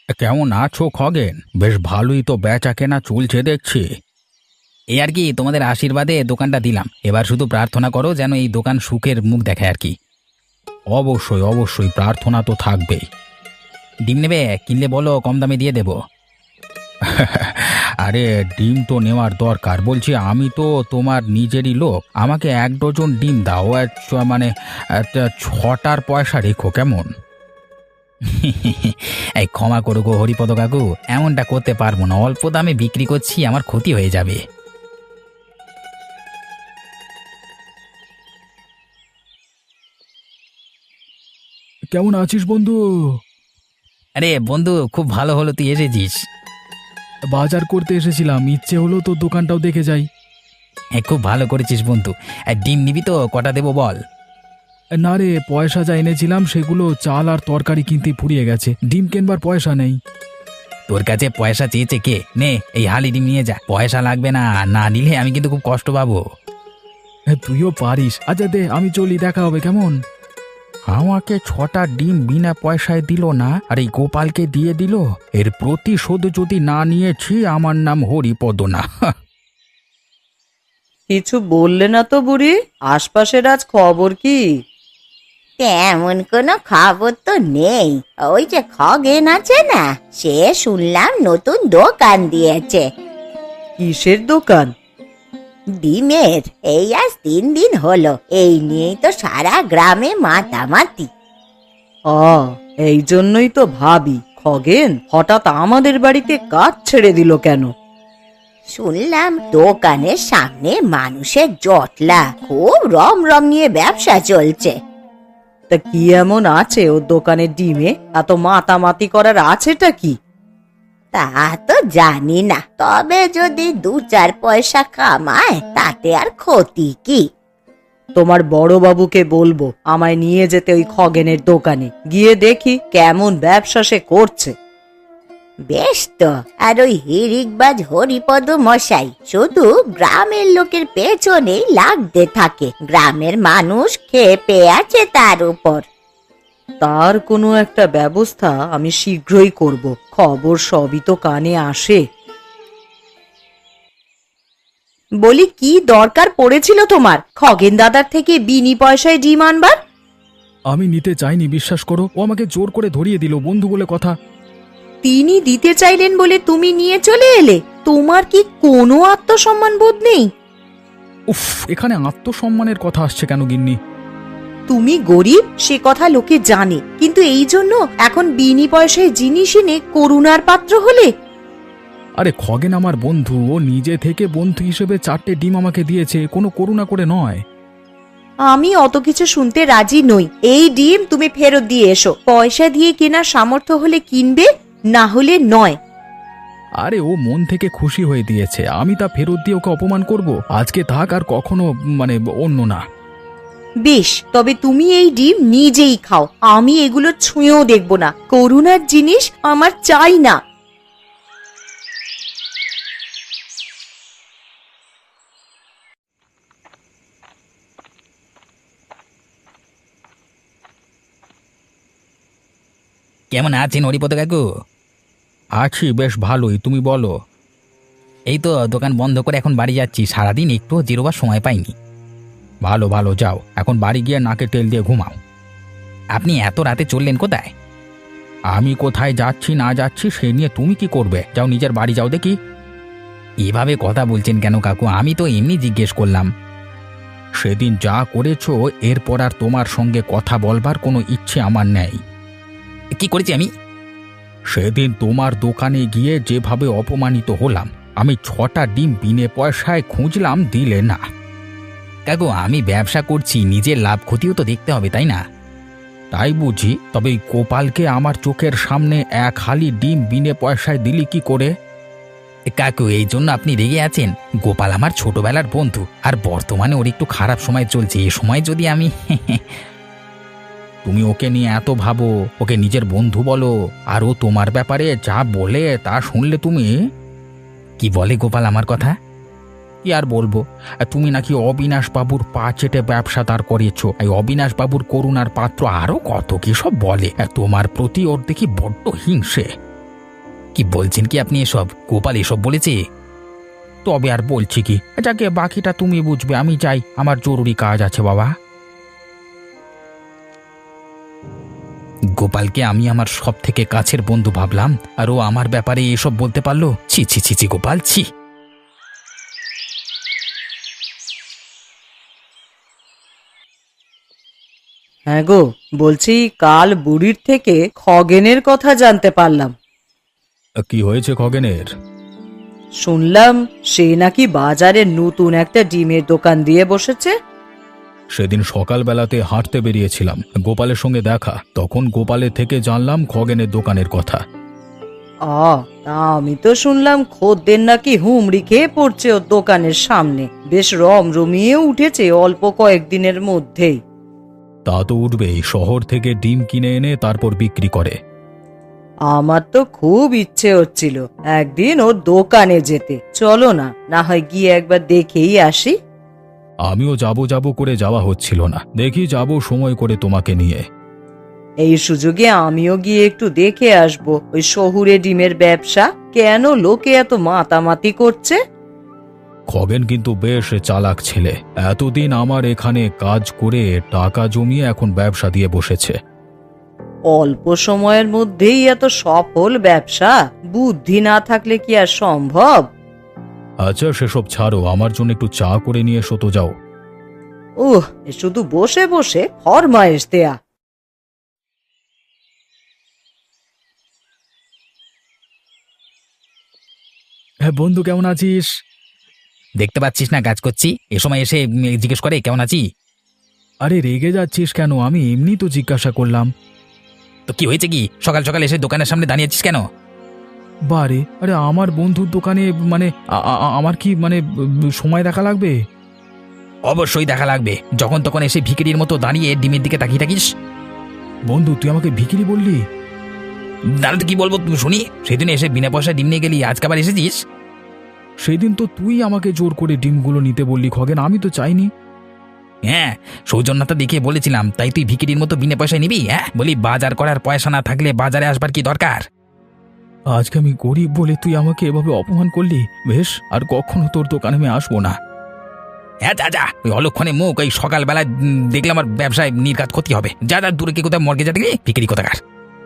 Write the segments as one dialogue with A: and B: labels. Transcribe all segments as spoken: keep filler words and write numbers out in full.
A: কেমন আছো খগেন? বেশ ভালোই তো বেচা কেনা চলছে দেখছি। এই আর কি, তোমাদের আশীর্বাদে দোকানটা দিলাম। এবার শুধু প্রার্থনা করো যেন এই দোকান সুখের মুখ দেখায় আর কি। অবশ্যই অবশ্যই, প্রার্থনা তো থাকবেই। ডিম নেবে? কিনলে বলো, কম দামে দিয়ে দেব। আরে ডিম তো নেওয়ার দরকার। বলছি আমি তো তোমার নিজেরই লোক, আমাকে এক ডজন ডিম দাও। আর চ- মানে একটা ছটার পয়সা রেখো কেমন? এই ক্ষমা করো গো হরিপদ কাকু, এমনটা করতে পারবো না। অল্প দামে বিক্রি করছি, আমার ক্ষতি হয়ে যাবে।
B: কেমন আছিস বন্ধু?
A: আরে বন্ধু, খুব ভালো হলো তুই এসেছিস।
B: বাজার করতে এসেছিলাম, ইচ্ছে হলো তোর দোকানটাও দেখে যাই।
A: হ্যাঁ, খুব ভালো করেছিস বন্ধু। আর ডিম নিবি তো? কটা দেবো বল?
B: না রে, পয়সা যা এনেছিলাম সেগুলো চাল আর তরকারি কিনতে ফুরিয়ে গেছে, ডিম কেনবার পয়সা নেই।
A: তোর কাছে পয়সা চেয়েছে কে? নে এই হালি ডিম নিয়ে যা, পয়সা লাগবে না। না নিলে আমি কিন্তু খুব কষ্ট পাবো।
B: হ্যাঁ, তুইও পারিস। আচ্ছা দে, আমি চলি, দেখা হবে কেমন?
A: আমাকে ছটা ডিম বিনা পয়সায় দিল না, আর এই গোপালকে দিয়ে দিল। এর প্রতিশোধ যদি না নিয়েছি, আমার নাম হরিপদ না।
C: কিছু বললে না তো বুড়ি? আশপাশের আজ খবর কি?
D: তেমন কোনো খবর তো নেই। ওই যে খগেন আছে না, সে শুনলাম নতুন দোকান দিয়েছে
C: কিসের দোকান?
D: ডিমের। এই আজ তিন দিন হলো, এই নিয়েই তো সারা গ্রামে মাতামাতি।
C: আ এই জন্যই তো ভাবি, খগেন হঠাৎ আমাদের বাড়িতে কাজ ছেড়ে দিল কেন?
D: শুনলাম দোকানের সামনে মানুষের জটলা, খুব রম রম নিয়ে ব্যবসা চলছে।
C: তা কি এমন আছে ওর দোকানের ডিমে? এত মাতামাতি করার আছেটা কি?
D: তা তো জানি না, তবে যদি দু চার পয়সা কামায় তাতে আর ক্ষতি কি।
C: তোমার বড় বাবুকে বলবো আমায় নিয়ে যেতে ওই খগেনের দোকানে, গিয়ে দেখি কেমন ব্যবসা সে করছে।
D: বেশ তো। আর ওই হিরিকবাজ হরিপদ মশাই শুধু গ্রামের লোকের পেছনেই লাগতে থাকে, গ্রামের মানুষ খেপে আছে তার উপর।
C: তার কোনো একটা ব্যবস্থা আমি শীঘ্রই করব। খবর সবই তো কানে আসে। বলি, কি দরকার পড়েছিল তোমার খগেন দাদার থেকে বিনি পয়সায় ডিম আনবার?
B: আমি নিতে চাইনি, বিশ্বাস করো। ও আমাকে জোর করে ধরিয়ে দিল, বন্ধু বলে কথা।
C: তিনি দিতে চাইলেন বলে তুমি নিয়ে চলে এলে? তোমার কি কোনো আত্মসম্মান বোধ নেই?
B: উফ, এখানে আত্মসম্মানের কথা আসছে কেন গিন্নি?
C: তুমি গরিব সে কথা লোকে জানে, কিন্তু এই জন্য এখন বিনি পয়সায় জিনিস এনে করুণার পাত্র হলে?
B: আরে খগেন আমার বন্ধু, ও নিজে থেকে বন্ধু হিসেবে চারটে ডিম আমাকে দিয়েছে, কোনো করুণা করে নয়।
C: আমি অত কিছু শুনতে রাজি নই। এই ডিম তুমি ফেরত দিয়ে এসো। পয়সা দিয়ে কেনার সামর্থ্য হলে কিনবে, না হলে নয়।
B: আরে ও মন থেকে খুশি হয়ে দিয়েছে, আমি তা ফেরত দিয়ে ওকে অপমান করব? আজকে থাক, আর কখনো মানে অন্য না।
C: বেশ, তবে তুমি এই ডিম নিজেই খাও, আমি এগুলো ছুঁয়েও দেখব না। করুণার জিনিস আমার চাই না।
A: কেমন আছেন হরিপদ কাকু?
B: আছি বেশ ভালোই, তুমি বলো।
A: এই তো দোকান বন্ধ করে এখন বাড়ি যাচ্ছি। সারাদিন একটু জিরোবার সময় পাইনি।
B: ভালো ভালো, যাও এখন বাড়ি গিয়ে নাকে তেল দিয়ে ঘুমাও।
A: আপনি এত রাতে চললেন কোথায়?
B: আমি কোথায় যাচ্ছি না যাচ্ছি সে নিয়ে তুমি কি করবে? যাও নিজের বাড়ি যাও দেখি।
A: এভাবে কথা বলছেন কেন কাকু? আমি তো এমনি জিজ্ঞেস করলাম।
B: সেদিন যা করেছো, এরপর আর তোমার সঙ্গে কথা বলবার কোনো ইচ্ছে আমার নেই।
A: কি করেছি আমি?
B: সেদিন তোমার দোকানে গিয়ে যেভাবে অপমানিত হলাম, আমি ছটা ডিম বিনে পয়সায় খুঁজলাম, দিলে না।
A: কাকু, আমি ব্যবসা করছি, নিজের লাভ ক্ষতিও তো দেখতে হবে, তাই না?
B: তাই বুঝি? তবে এই গোপালকে আমার চোখের সামনে এক হালি ডিম বিনে পয়সায় দিলি কি করে?
A: কাকু, এই জন্য আপনি রেগে আছেন? গোপাল আমার ছোটবেলার বন্ধু, আর বর্তমানে ওর একটু খারাপ সময় চলছে। এ সময় যদি আমি
B: তুমি ওকে নিয়ে এত ভাবো, ওকে নিজের বন্ধু বলো, আর ও তোমার ব্যাপারে যা বলে তা শুনলে তুমি।
A: কি বলে গোপাল আমার কথা?
B: কি আর বলবো, তুমি নাকি অবিনাশ বাবুর পা চেটে ব্যবসা দাঁড় করিয়েছো, এই অবিনাশ বাবুর করুণার পাত্র, আরো কত কি সব বলে। তোমার প্রতি ওর দেখি বড্ড হিংসে।
A: কি বলছেন কি আপনি এসব? গোপাল এসব বলেছে?
B: তবে আর বলছি কি, যাকে বাকিটা তুমি বুঝবে, আমি যাই, আমার জরুরি কাজ আছে বাবা।
A: গোপালকে আমি আমার সব থেকে কাছের বন্ধু ভাবলাম, আর ও আমার ব্যাপারে এসব বলতে পারলো? ছি ছি ছি ছি গোপাল, ছি।
C: হ্যাঁ গো, বলছি কাল বুড়ির থেকে খগেনের কথা জানতে পারলাম।
B: কি হয়েছে খগেনের?
C: শুনলাম সে নাকি বাজারে নতুন একটা ডিমের দোকান দিয়ে বসেছে।
B: সেদিন সকালবেলাতে হাঁটতে বেরিয়েছিলাম, গোপালের সঙ্গে দেখা, তখন গোপালের থেকে জানলাম খগেনের দোকানের কথা।
C: আ তা আমি তো শুনলাম খদ্দের নাকি হুমড়ি খেয়ে পড়ছে ওর দোকানের সামনে, বেশ রমরমিয়ে উঠেছে অল্প কয়েকদিনের মধ্যেই।
B: তা তো উঠবেই, শহর থেকে ডিম কিনে এনে তারপর বিক্রি করে।
C: আমার তো খুব ইচ্ছে হচ্ছিল একদিন ওর দোকানে যেতে, চলো না, না হয় গিয়ে একবার দেখেই আসি।
B: আমিও যাব যাব করে যাওয়া হচ্ছিল না, দেখি যাব সময় করে তোমাকে নিয়ে।
C: এই সুযোগে আমিও গিয়ে একটু দেখে আসবো ওই শহুরে ডিমের ব্যবসা, কেন লোকে এত মাতামাতি করছে।
B: খগেন কিন্তু বেশ চালাক ছেলে, এতদিন আমার এখানে কাজ করে টাকা জমিয়ে এখন ব্যবসা দিয়ে বসেছে।
C: অল্প সময়ের মধ্যেই এত সফল ব্যবসা, বুদ্ধি না থাকলে কি আর সম্ভব?
B: আচ্ছা সেসব ছাড়ো, আমার জন্য একটু চা করে নিয়ে এসো তো, যাও।
C: উহ, এ শুধু বসে বসে ফরমায়েশ দেয়া।
B: হ্যাঁ বন্ধু, কেমন আছিস?
A: দেখতে পাচ্ছিস না কাজ করছি, এ সময় এসে উম, জিজ্ঞেস করে কেমন আছি?
B: আরে রেগে যাচ্ছিস কেন? আমি এমনি তো জিজ্ঞাসা করলাম।
A: তো কি হয়েছে কি? সকাল সকাল এসে দোকানের সামনে দাঁড়িয়েছিস কেন?
B: বারে, আরে আমার বন্ধুর দোকানে মানে আ- আ- আমার কি মানে ব- সময় দেখা লাগবে?
A: অবশ্যই দেখা লাগবে, যখন তখন এসে ভিকিরির মতো দাঁড়িয়ে ডিমের দিকে তাকিয়ে থাকিস।
B: বন্ধু, তুই আমাকে ভিখিরি বললি?
A: দাঁড়া, তো কি বলবো তুমি শুনি? সেদিন এসে বিনা পয়সায় ডিম নিয়ে গেলি, আজকে আবার এসেছিস?
B: সেদিন তো তুই আমাকে জোর করে ডিমগুলো নিতে বললি খগেন, আমি তো চাইনি।
A: হ্যাঁ, সৌজন্যতা দেখিয়ে বলেছিলাম, তাই তুই ভিকিরির মতো বিনা পয়সায় নিবি? হ্যাঁ, বলি বাজার করার পয়সা না থাকলে বাজারে আসবার কি দরকার?
B: আজকে আমি গরিব বলে তুই আমাকে এভাবে অপমান করলি, বেশ, আর কখনো তোর দোকানে আমি আসবো না।
A: হ্যাঁ যা যা, ওই অলক্ষণে মুখ, ওই সকালবেলায় উম, দেখলে আমার ব্যবসায় নির্ঘাত ক্ষতি হবে। যা যা, দূরে কি কোথায় মর্গে যা দেখলি, ভিকিরি কোথাকার।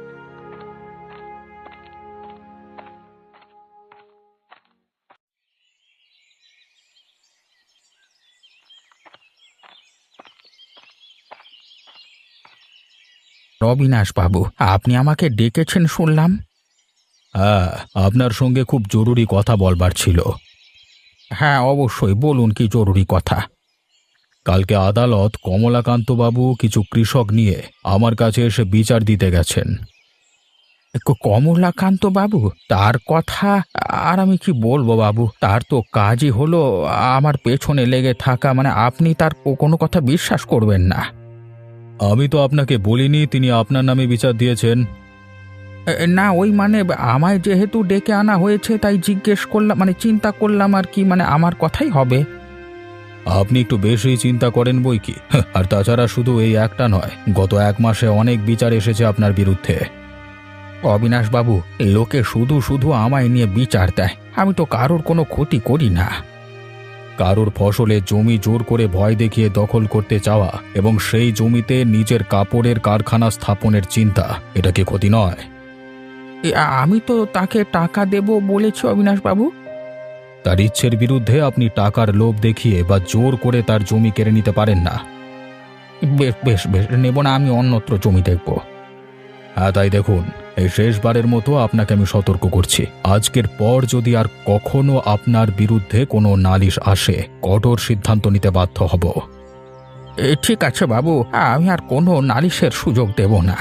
B: অবিনাশ বাবু, আপনি আমাকে ডেকেছেন শুনলাম। হ্যাঁ, আপনার সঙ্গে খুব জরুরি কথা বলবার ছিল। হ্যাঁ অবশ্যই, বলুন কি জরুরি কথা। কালকে আদালত কমলাকান্তবাবু কিছু কৃষক নিয়ে আমার কাছে এসে বিচার দিতে গেছেন। কমলাকান্ত বাবু, তার কথা আর আমি কি বলবো বাবু, তার তো কাজই হলো আমার পেছনে লেগে থাকা, মানে আপনি তার কোনো কথা বিশ্বাস করবেন না। আমি তো আপনাকে বলিনি তিনি আপনার নামে বিচার দিয়েছেন। না, ওই মানে আমায় যেহেতু ডেকে আনা হয়েছে তাই জিজ্ঞেস করলাম, মানে চিন্তা করলাম আর কি, মানে আমার কথাই হবে। আপনি একটু বেশি চিন্তা করেন বই কি, আর তাছাড়া শুধু এই একটা নয়, গত এক মাসে অনেক বিচার এসেছে আপনার বিরুদ্ধে। অবিনাশ বাবু, লোকে শুধু শুধু আমায় নিয়ে বিচার দেয়, আমি তো কারোর কোনো ক্ষতি করি না। কারোর ফসলে জমি জোর করে ভয় দেখিয়ে দখল করতে চাওয়া এবং সেই জমিতে নিজের কাপড়ের কারখানা স্থাপনের চিন্তা, এটা কি ক্ষতি নয়? আমি তো তাকে টাকা দেব বলেছি অবিনাশ বাবু। তার ইচ্ছের বিরুদ্ধে আপনি টাকার লোভ দেখিয়ে বা জোর করে তার জমি কেড়ে নিতে পারেন না। বেশ বেশ বেশ, নেব না, আমি অন্যত্র জমি দেখব। হ্যাঁ তাই দেখুন, এই শেষবারের মতো আপনাকে আমি সতর্ক করছি, আজকের পর যদি আর কখনো আপনার বিরুদ্ধে কোনো নালিশ আসে, কঠোর সিদ্ধান্ত নিতে বাধ্য হব। ঠিক আছে বাবু, আমি আর কোনো নালিশের সুযোগ দেব না।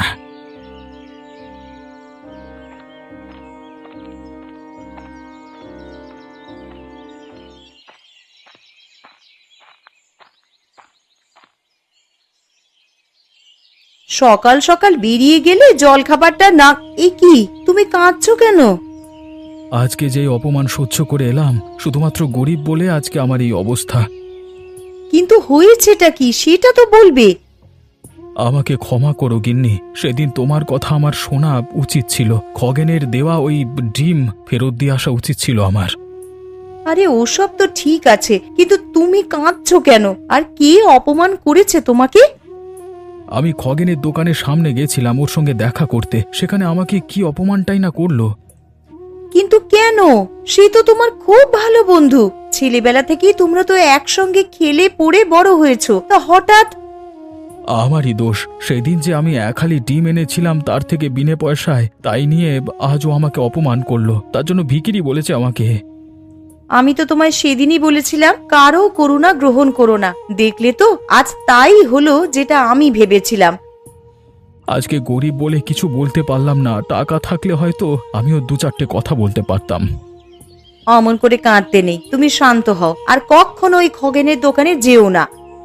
C: সকাল সকাল বেরিয়ে গেলে জল খাবারটা না। এ কি, তুমি কাঁদছো কেন?
B: আজকে যে অপমান সহ্য করে এলাম, শুধুমাত্র গরিব বলে আজকে আমার এই অবস্থা।
C: কিন্তু হয়েছেটা কি সেটা তো বলবে।
B: আমাকে ক্ষমা করো গিন্নি, সেদিন তোমার কথা আমার শোনা উচিত ছিল। খগেনের দেওয়া ওই ডিম ফেরত দিয়ে আসা উচিত ছিল আমার।
C: আরে ওসব তো ঠিক আছে, কিন্তু তুমি কাঁদছো কেন? আর কে অপমান করেছে তোমাকে?
B: আমি খগেনের দোকানের সামনে গেছিলাম ওর সঙ্গে দেখা করতে, সেখানে আমাকে কি অপমানটাই না করলো।
C: কিন্তু কেন? সে তো তোমার খুব ভালো বন্ধু। ছেলেবেলা থেকেই তোমরা তো একসঙ্গে খেলে পড়ে বড় হয়েছো, তা হঠাৎ?
B: আমারই দোষ। সেদিন যে আমি এক হালি ডিম এনেছিলাম তার থেকে বিনে পয়সায়, তাই নিয়ে আজও আমাকে অপমান করলো। তার জন্য ভিখিরি বলেছে আমাকে।
C: আমি তো তোমায় সেদিনই বলেছিলাম কারো করুণা গ্রহণ করো না। দেখলে তো আজ তাই হলো যেটা আমি ভেবেছিলাম।
B: আজকে গরিব বলে কিছু বলতে পারলাম না, টাকা থাকলে হয়তো আমিও দু চারটে কথা বলতে পারতাম।
C: অমন করে কাঁদতে নেই, তুমি শান্ত হও আর কখনো ওই খগেনের দোকানে যেও না।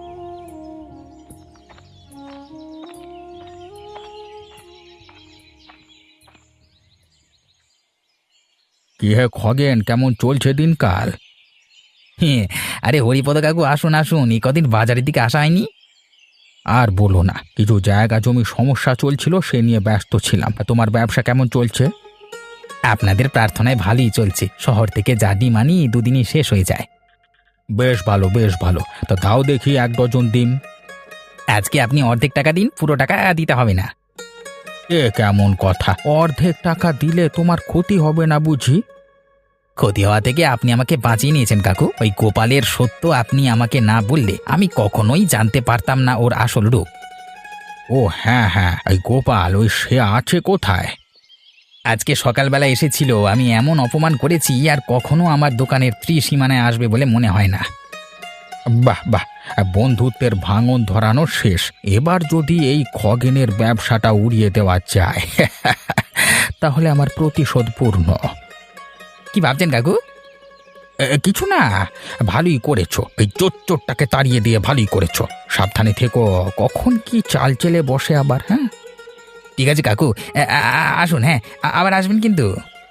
A: কি হে খগেন, কেমন চলছে দিনকাল? হ্যাঁ, আরে হরিপদ কাকু আসুন আসুন, এই কদিন বাজারের দিকে আসা হয়নি। আর বলো না, কিছু জায়গা জমি সমস্যা চলছিল, সে নিয়ে ব্যস্ত ছিলাম। তোমার ব্যবসা কেমন চলছে? আপনাদের প্রার্থনায় ভালোই চলছে। শহর থেকে যা ডিম আনি দুদিনই শেষ হয়ে যায়। বেশ ভালো, বেশ ভালো। তা দাও দেখি এক ডজন ডিম। আজকে আপনি অর্ধেক টাকা দিন, পুরো টাকা দিতে হবে না। এ কেমন কথা? অর্ধেক টাকা দিলে তোমার ক্ষতি হবে না বুঝি? ক্ষতি হওয়া থেকে আপনি আমাকে বাঁচিয়ে নিয়েছেন কাকু। ওই গোপালের সত্য আপনি আমাকে না বললে আমি কখনোই জানতে পারতাম না ওর আসল রূপ। ও হ্যাঁ হ্যাঁ, এই গোপাল, ওই সে আছে কোথায়? আজকে সকালবেলা এসেছিল। আমি এমন অপমান করেছি আর কখনো আমার দোকানের ত্রিসীমানায় আসবে বলে মনে হয় না। বাহ বাহ, বন্ধুত্বের ভাঙন ধরানো শেষ। এবার যদি এই খগেনের ব্যবসাটা উড়িয়ে দেওয়া যায় তাহলে আমার প্রতিশোধ পূর্ণ। কি ভাবছেন কাকু? এ, কিছু না, ভালোই করেছো। এই চোরটাকে তাড়িয়ে দিয়ে ভালোই করেছো। সাবধানে থেকো, কখন কি চাল চেলে বসে আবার। হ্যাঁ ঠিক আছে কাকু, এ, আ- আ- আসুন। হ্যাঁ, আ- আবার আসবেন কিন্তু।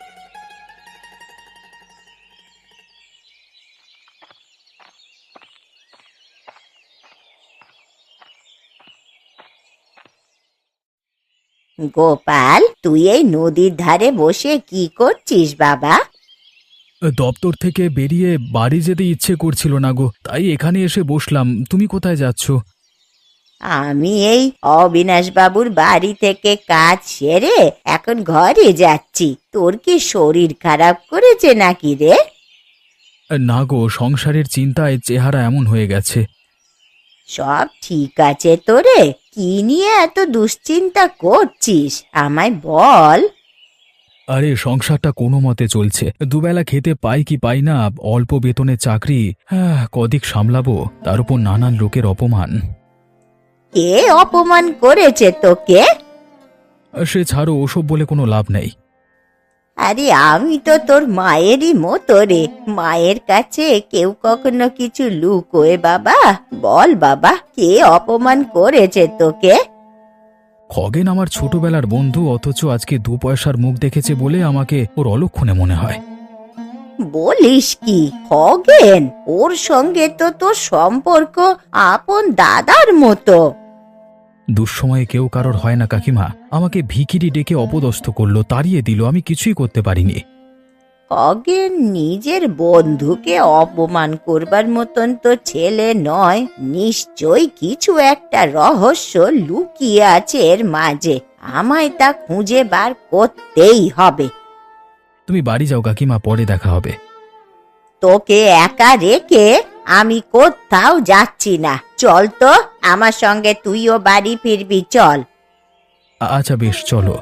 D: গোপাল, তুই এই নদীর ধারে বসে কি করছিস বাবা?
B: দপ্তর থেকে বেরিয়ে বাড়ি যেতে ইচ্ছে করছিল না গো, তাই এখানে এসে বসলাম। তুমি কোথায় যাচ্ছ?
D: আমি এই অবিনাশ বাবুর বাড়ি থেকে কাজ সেরে এখন ঘরে যাচ্ছি। তোর কি শরীর খারাপ করেছে নাকি রে?
B: না গো, সংসারের চিন্তায় চেহারা এমন হয়ে গেছে।
D: সব ঠিক আছে তো রে? কি নিয়ে এত দুশ্চিন্তা করছিস আমায় বল।
B: আরে সংসারটা কোনো মতে চলছে। দুবেলা খেতে পাই কি পাই না, অল্প বেতনে চাকরি। হ্যাঁ, কদিক সামলাবো, তার উপর নানান লোকের অপমান।
D: কে অপমান করেছে তোকে?
B: সে ছাড়ো, ওসব বলে কোনো লাভ নেই।
D: আরে আমি তো তোর মায়েরই মতো রে। মায়ের কাছে কেউ কখনো কিছু লুকোয় বাবা? বল বাবা, কে অপমান করেছে তোকে?
B: খগেন আমার ছোটবেলার বন্ধু, অথচ আজকে দু পয়সার মুখ দেখেছে বলে আমাকে ওর অলক্ষণে মনে হয়।
D: বলিস কি? খগেন? ওর সঙ্গে তো তোর সম্পর্ক আপন দাদার মতো।
B: দুঃসময়ে কেউ কারোর হয় না কাকিমা। আমাকে ভিখিরি ডেকে অপদস্থ করলো, তাড়িয়ে দিল, আমি কিছুই করতে পারিনি।
D: খগেন নিজের বন্ধুকে অপমান করবার মতন তো ছেলে নয়। নিশ্চয়ই কিছু একটা রহস্য লুকিয়ে আছে এর মাঝে। আমায় তা খুঁজে বার করতেই হবে।
B: তুমি বাড়ি যাও কাকিমা, পরে দেখা হবে।
D: তোকে একা রেখে আমি কোথাও যাচ্ছি না। চল তো, আমার সঙ্গে তুইও বাড়ি ফিরবি, চল।
B: আ- আচ্ছা বেশ, চলো।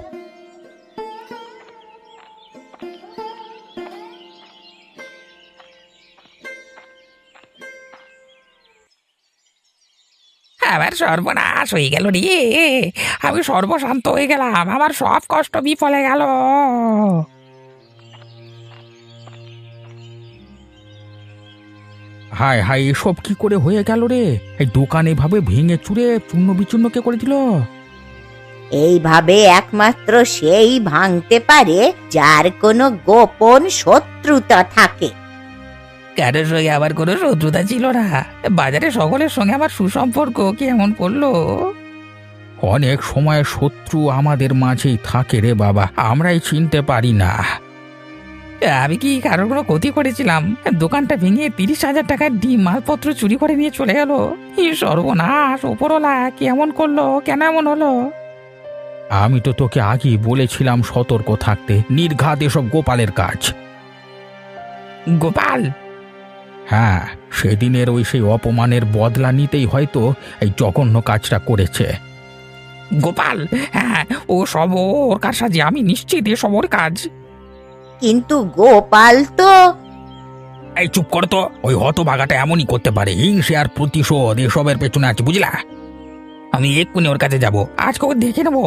E: আবার সর্বনাশ হয়ে গেল রে। আমি সর্বশান্ত হয়ে গেলাম, আমার সব কষ্ট বিফলে গেল।
A: হায় হায়, এসব কি করে হয়ে গেল রে? এই দোকান এভাবে ভেঙে চুরে চূর্ণ বিচূর্ণ কে করে দিল?
D: এইভাবে একমাত্র সেই ভাঙতে পারে যার কোনো গোপন শত্রুতা থাকে।
E: কারোর সঙ্গে আবার কোনো শত্রুতা ছিল না। বাজারে সকলের সঙ্গে আমার সুসম্পর্ক, কি এমন করলো?
B: অনেক সময় শত্রু আমাদের মাঝেই থাকে রে বাবা, আমরাই চিনতে পারি না।
E: আমি কি কারোর কোনো ক্ষতি করেছিলাম? দোকানটা ভেঙে তিরিশ হাজার টাকার ডিম মালপত্র চুরি করে নিয়ে চলে গেল। এই সর্বনাশ, ওপরওয়ালা কি এমন করলো? কেন এমন হলো?
B: আমি তো তোকে আগেই বলেছিলাম সতর্ক থাকতে, নির্ঘাত এসব গোপালের কাজ।
E: গোপাল?
B: হ্যাঁ, সেদিনের ওই সেই অপমানের বদলা নিতেই হয়তো এই জঘন্য কাজটা করেছে।
E: গোপাল? হ্যাঁ, ও সব ওর কারসাজি, আমি নিশ্চিত এ সব ওর কাজ।
D: কিন্তু গোপাল তো
B: এই চুপ কর তো, ওই হতভাগাটা এমনই করতে পারে, হিংসে আর প্রতিশোধ এসবের পেছনে আছে, বুঝলা?
E: আমি এক্ষুনি ওর কাছে যাব, আজকে ওকে দেখে নেবো।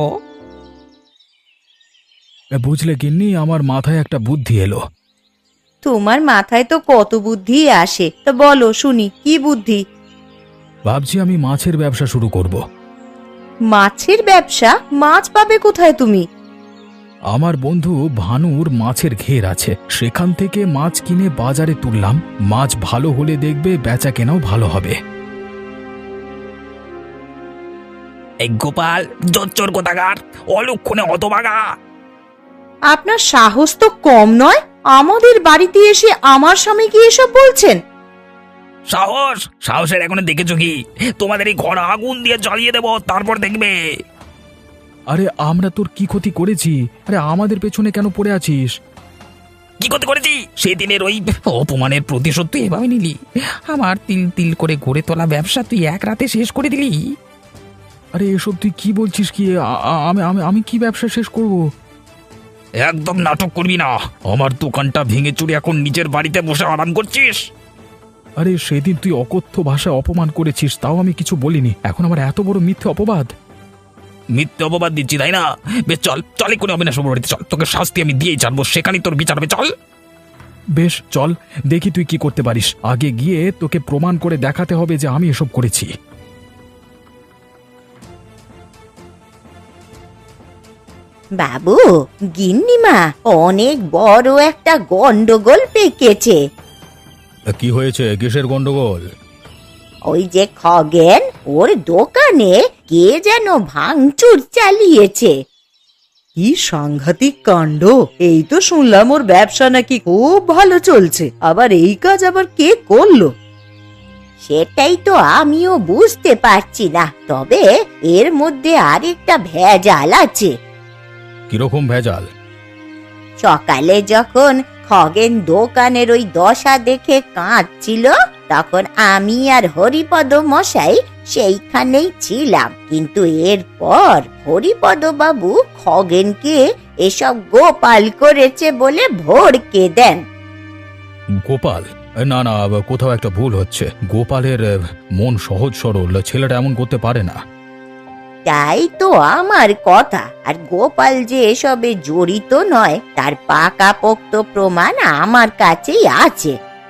B: বুঝলে গিন্নি, আমার মাথায় একটা বুদ্ধি এলো।
C: তোমার মাথায় তো কত বুদ্ধি আসে, তা বলো শুনি কি বুদ্ধি?
B: ভাবছি আমি মাছের ব্যবসা শুরু করব।
C: মাছের ব্যবসা? মাছ পাবে কোথায় তুমি?
B: আমার বন্ধু ভানুর মাছের ঘের আছে, সেখান থেকে মাছ কিনে বাজারে তুললাম। মাছ ভালো হলে দেখবে বেচা কেনাও ভালো হবে।
E: এই গোপাল জোচ্চোর কোথাকার, অলক্ষণে হতভাগা!
C: আপনার সাহস তো কম নয়, আমাদের বাড়িতে এসে আমার স্বামীকে এসব বলছেন?
E: সাহস? সাহসের এখনো দেখেছো কি? তোমাদের এই ঘর আগুন দিয়ে জ্বালিয়ে দেবো, তারপর দেখবে।
B: আরে আমরা তোর কি ক্ষতি করেছি? আরে আমাদের পেছনে কেন পড়ে আছিস?
E: কি করতে করেছি? সেদিনের ওই অপমানের প্রতিশোধ তুই এভাবে নিলি। আমার তিল তিল করে গড়ে তোলা ব্যবসা তুই এক রাতে শেষ করে দিলি।
B: আরে এসব তুই কি বলছিস? কি আ- আ- আমি আমি আমি কি ব্যবসা শেষ করব?
E: একদম নাটক করবি না। আমার দোকানটা ভেঙে চুরি এখন নিজের বাড়িতে বসে আরাম করছিস।
B: আরে সেদিন তুই অকথ্য ভাষায় অপমান করেছিস, তাও আমি কিছু বলিনি, এখন আমার এত বড় মিথ্যে অপবাদ?
E: মিথ্যে অপবাদ দিচ্ছি তাই না? বেশ চল, চলে কোনো অবিনাশ বাবুর বাড়িতে চল, তোকে শাস্তি আমি দিয়েই ছাড়বো, সেখানেই তোর বিচার হবে। চল।
B: বেশ চল, দেখি তুই কি করতে পারিস। আগে গিয়ে তোকে প্রমাণ করে দেখাতে হবে যে আমি এসব করেছি।
D: বাবু, গিন্নিমা অনেক বড় একটা গন্ডগোল পেকেছে।
B: কি হয়েছে? কিসের গন্ডগোল?
D: ওই যে খগেন, ওর দোকানে কে যেন ভাঙচুর চালিয়েছে।
C: কি সাংঘাতিক কাণ্ড! এই তো শুনলাম ওর ব্যবসা নাকি খুব ভালো চলছে, আবার এই কাজ আবার কে করলো?
D: সেটাই তো আমিও বুঝতে পারছি না, তবে এর মধ্যে আরেকটা ভেজাল আছে।
B: কিরকম ভেজাল?
D: সকালে যখন খগেন দোকানের ওই দশা দেখে কাঁদছিল, তখন আমি আর হরিপদ মশাই সেইখানেই ছিলাম। কিন্তু এরপর হরিপদ বাবু খগেনকে এসব গোপাল করেছে বলে ভড়কে দেন।
B: গোপাল? না না, কোথাও একটা ভুল হচ্ছে। গোপালের আহ, মন সহজ সরল, ছেলেটা এমন করতে পারে না।
D: তাই তো আমার কথা। আর গোপাল যে এসবে জড়িত নয় তার পাকাপোক্ত প্রমাণ আমার কাছেই আছে।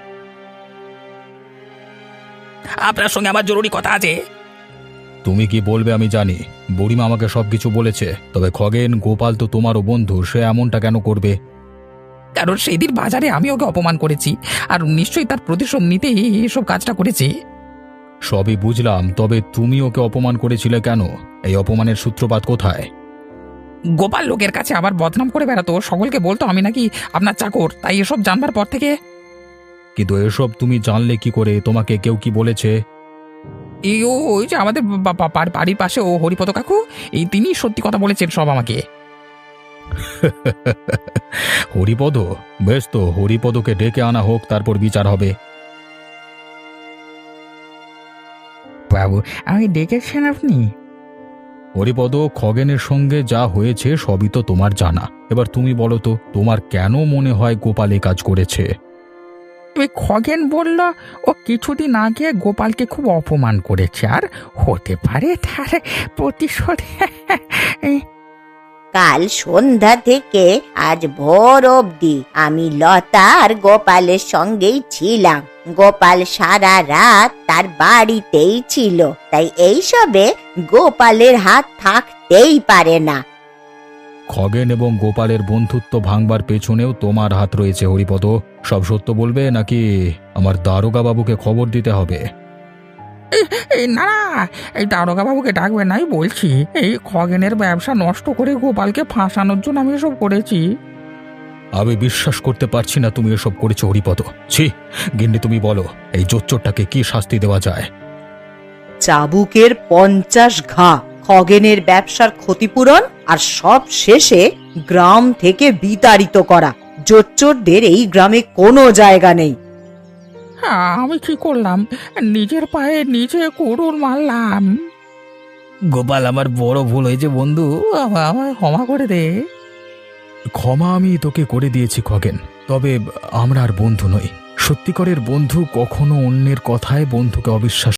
E: আপনার সঙ্গে আমার জরুরি কথা আছে।
B: তুমি কি বলবে আমি জানি, বুড়িমা আমাকে সবকিছু বলেছে। তবে খগেন, গোপাল তো তোমারও বন্ধু, সে এমনটা কেন করবে?
E: কারণ সেই দিন বাজারে আমি ওকে অপমান করেছি, আর নিশ্চয়ই তার প্রতিশোধ নিতেই এসব কাজটা করেছি।
B: সবই বুঝলাম, তবে তুমি ওকে অপমান করেছিলে কেন? এই অপমানের সূত্রপাত কোথায়?
E: গোপাল লোকের কাছে আবার বদনাম করে বেড়াতো, সকলকে বলতো আমি নাকি আপনার চাকর। তাই এসব জানবার পর থেকে।
B: কিন্তু এসব তুমি জানলে কি করে? তোমাকে কেউ কি বলেছে?
E: এই ও ওই যে আমাদের বা- বা- বা- বাড়ির পাশে ও হরিপদ কাকু, এই তিনি সত্যি কথা বলেছেন সব আমাকে।
B: হরিপদ? বেশ, তো হরিপদকে ডেকে আনা হোক, তারপর বিচার হবে।
E: বাবু, আমি ডেকেছেন আপনি?
B: হরিপদ, খগেনের সঙ্গে যা হয়েছে সবই তো তোমার জানা। এবার তুমি বলো তো, তোমার কেন মনে হয় গোপাল এ কাজ করেছে?
E: ওই খগেন বলল ও কিছুদিন আগে গোপালকে খুব অপমান করেছে, আর হতে পারে তার প্রতিশোধ।
D: কাল সন্ধ্যা থেকে আজ ভোর অবধি আমি লতা আর গোপালের সঙ্গেই ছিলাম। গোপাল সারা রাত তার বাড়িতেই ছিল, তাই এইসবে গোপালের হাত থাকতেই পারে না।
B: খগেন এবং গোপালের বন্ধুত্ব ভাঙবার পেছনেও তোমার হাত রয়েছে হরিপদ। সব সত্য বলবে নাকি আমার দারোগা বাবুকে খবর দিতে হবে?
E: এই এই না না, এই দারোগা বাবুকে ডাকবেন নাই বলছি। এই খগেনের ব্যবসা নষ্ট করে গোপালকে ফাঁসানোর জন্য আমি এসব করেছি।
B: আমি বিশ্বাস করতে পারছি না তুমি এসব করেছো হরিপদ। ছি, গিন্নি তুমি বলো এই জোচ্চোরটাকে কি শাস্তি দেওয়া যায়?
C: চাবুকের পঞ্চাশ ঘা, খগেনের ব্যবসার ক্ষতিপূরণ, আর সব শেষে গ্রাম থেকে বিতাড়িত করা। জোচ্চোরদের এই গ্রামে কোনো জায়গা নেই।
E: হ্যাঁ, আমি কি করলাম? নিজের পায়ে নিজে কুড়ুল মারলাম।
A: গোপাল, আমার বড় ভুল হয়েছে বন্ধু,
E: আমা- আমায় ক্ষমা করে দে।
B: ক্ষমা আমি তোকে করে দিয়েছি খগেন, তবে আমরা আর বন্ধু নই। সত্যিকারের বন্ধু কখনো অন্যের কথায় বন্ধুকে অবিশ্বাস